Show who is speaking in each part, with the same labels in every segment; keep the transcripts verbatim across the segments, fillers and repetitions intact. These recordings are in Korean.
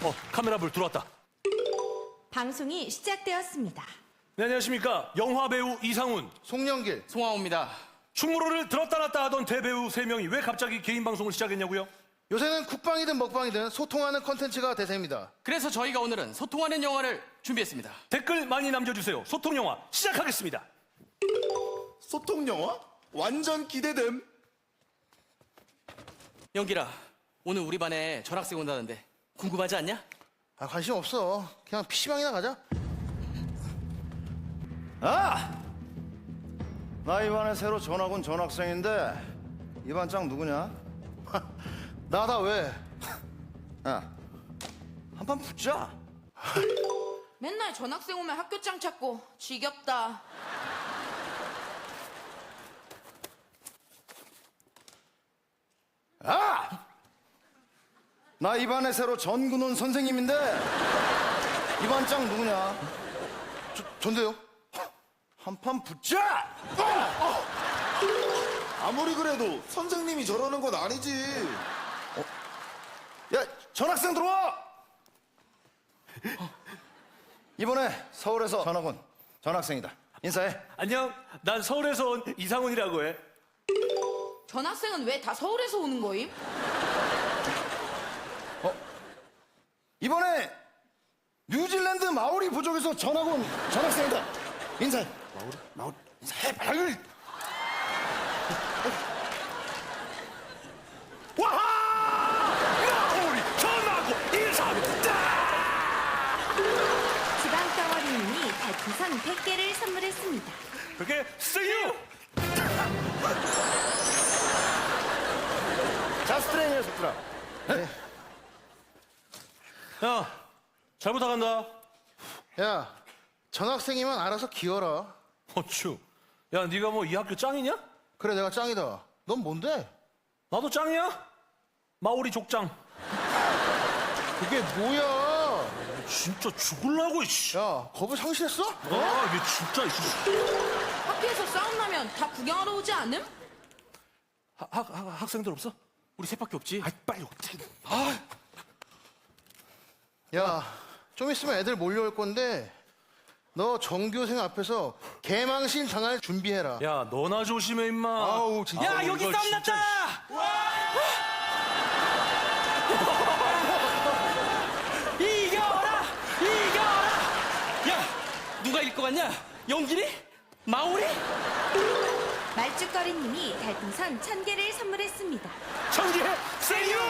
Speaker 1: 어, 카메라 불 들어왔다.
Speaker 2: 방송이 시작되었습니다.
Speaker 1: 네, 안녕하십니까. 영화배우 이상훈,
Speaker 3: 송영길,
Speaker 4: 송하호입니다.
Speaker 1: 충무로를 들었다 놨다 하던 대배우 세 명이 왜 갑자기 개인 방송을 시작했냐고요?
Speaker 3: 요새는 국방이든 먹방이든 소통하는 컨텐츠가 대세입니다.
Speaker 4: 그래서 저희가 오늘은 소통하는 영화를 준비했습니다.
Speaker 1: 댓글 많이 남겨주세요. 소통영화 시작하겠습니다.
Speaker 5: 소통 영화? 완전 기대됨.
Speaker 4: 영길아, 오늘 우리 반에 전학생 온다는데 궁금하지 않냐?
Speaker 3: 아, 관심 없어. 그냥 피시방이나 가자.
Speaker 6: 아! 나 이번에 새로 전학 온 전학생인데 이 반장 누구냐?
Speaker 3: 나다 왜?
Speaker 6: 야, 한판 붙자.
Speaker 2: 맨날 전학생 오면 학교장 찾고 지겹다.
Speaker 6: 아! 나 이반에 새로 전군 온 선생님인데 이 반장 누구냐?
Speaker 3: 저, 전데요?
Speaker 6: 한판 붙자!
Speaker 5: 아무리 그래도 선생님이 저러는 건 아니지.
Speaker 6: 야, 전학생 들어와! 이번에 서울에서 전학 온 전학생이다. 인사해.
Speaker 1: 안녕, 난 서울에서 온 이상훈이라고 해.
Speaker 2: 전학생은 왜 다 서울에서 오는 거임?
Speaker 6: 이번에 뉴질랜드 마오리 부족에서 전학 온 전학생이다. 인사해. 마오리? 마오리? 인사해, 빨리.
Speaker 1: 와하! 마오리 전하고 인사합니다.
Speaker 2: 지방덩어리님이 달풍선 백 개를 선물했습니다.
Speaker 1: 그렇게 see you.
Speaker 6: 자스트레이 녀석들아.
Speaker 1: 야, 잘 부탁한다.
Speaker 3: 야, 전학생이면 알아서 기어라.
Speaker 1: 어쭈. 야, 네가 뭐 이 학교 짱이냐?
Speaker 3: 그래, 내가 짱이다. 넌 뭔데?
Speaker 1: 나도 짱이야? 마오리 족장.
Speaker 3: 그게 뭐야?
Speaker 1: 진짜 죽을라고, 이씨.
Speaker 3: 야, 겁을 상실했어?
Speaker 1: 아, 이게 진짜, 이씨.
Speaker 2: 학교에서 싸움 나면 다 구경하러 오지 않음?
Speaker 1: 학, 학, 학, 학생들 없어?
Speaker 4: 우리 셋밖에 없지.
Speaker 1: 아, 빨리 오지.
Speaker 3: 야, 좀 있으면 애들 몰려올 건데 너 전교생 앞에서 개망신 당할 준비해라.
Speaker 1: 야, 너나 조심해, 임마.
Speaker 3: 아우, 진짜.
Speaker 4: 야,
Speaker 1: 아우,
Speaker 4: 여기
Speaker 1: 이거
Speaker 4: 싸움
Speaker 1: 진짜,
Speaker 4: 났다! 이겨라! 이겨라! 야, 누가 이길 것 같냐? 영길이? 마오리?
Speaker 2: 말죽거리님이 달풍선 천 개를 선물했습니다.
Speaker 1: 청계 세유.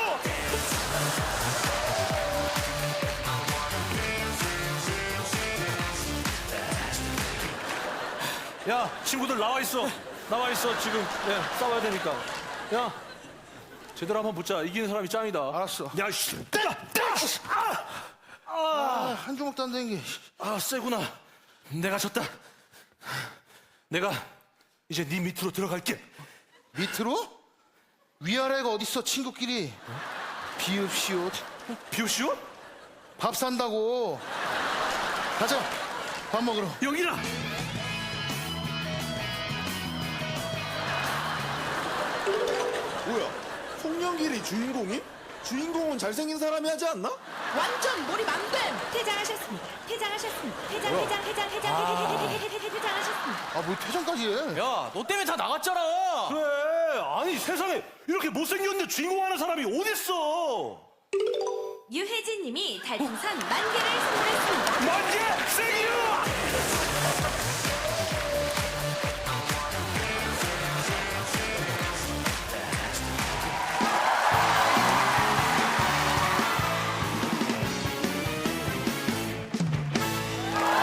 Speaker 1: 야, 친구들 나와 있어. 나와 있어. 지금 네, 싸워야 되니까. 야, 제대로 한번 붙자. 이기는 사람이 짱이다.
Speaker 3: 알았어.
Speaker 1: 야, 씨, 때려, 때려. 아,
Speaker 3: 아, 한 주먹도 안 되는 게.
Speaker 1: 아, 세구나. 내가 졌다. 내가 이제 네 밑으로 들어갈게.
Speaker 3: 밑으로? 위아래가 어딨어, 친구끼리. 비읍시옷.
Speaker 1: 비오시오?
Speaker 3: 밥 산다고. 가자, 밥 먹으러.
Speaker 1: 여기라.
Speaker 5: 뭐야? 송영길이 주인공이? 주인공은 잘생긴 사람이 하지 않나?
Speaker 2: 완전 몰입 안 됨! 퇴장하셨습니다. 퇴장하셨습니다. 퇴장, 퇴장, 퇴장, 퇴장, 퇴장, 퇴장하셨습니다.
Speaker 3: 아, 뭐 퇴장까지 해?
Speaker 4: 야, 너 때문에 다 나갔잖아.
Speaker 1: 그래. 아니, 세상에 이렇게 못생겼는데 주인공 하는 사람이 어딨어?
Speaker 2: 유혜진님이 달풍선 만 개를 선물했습니다.
Speaker 1: 만개 세유!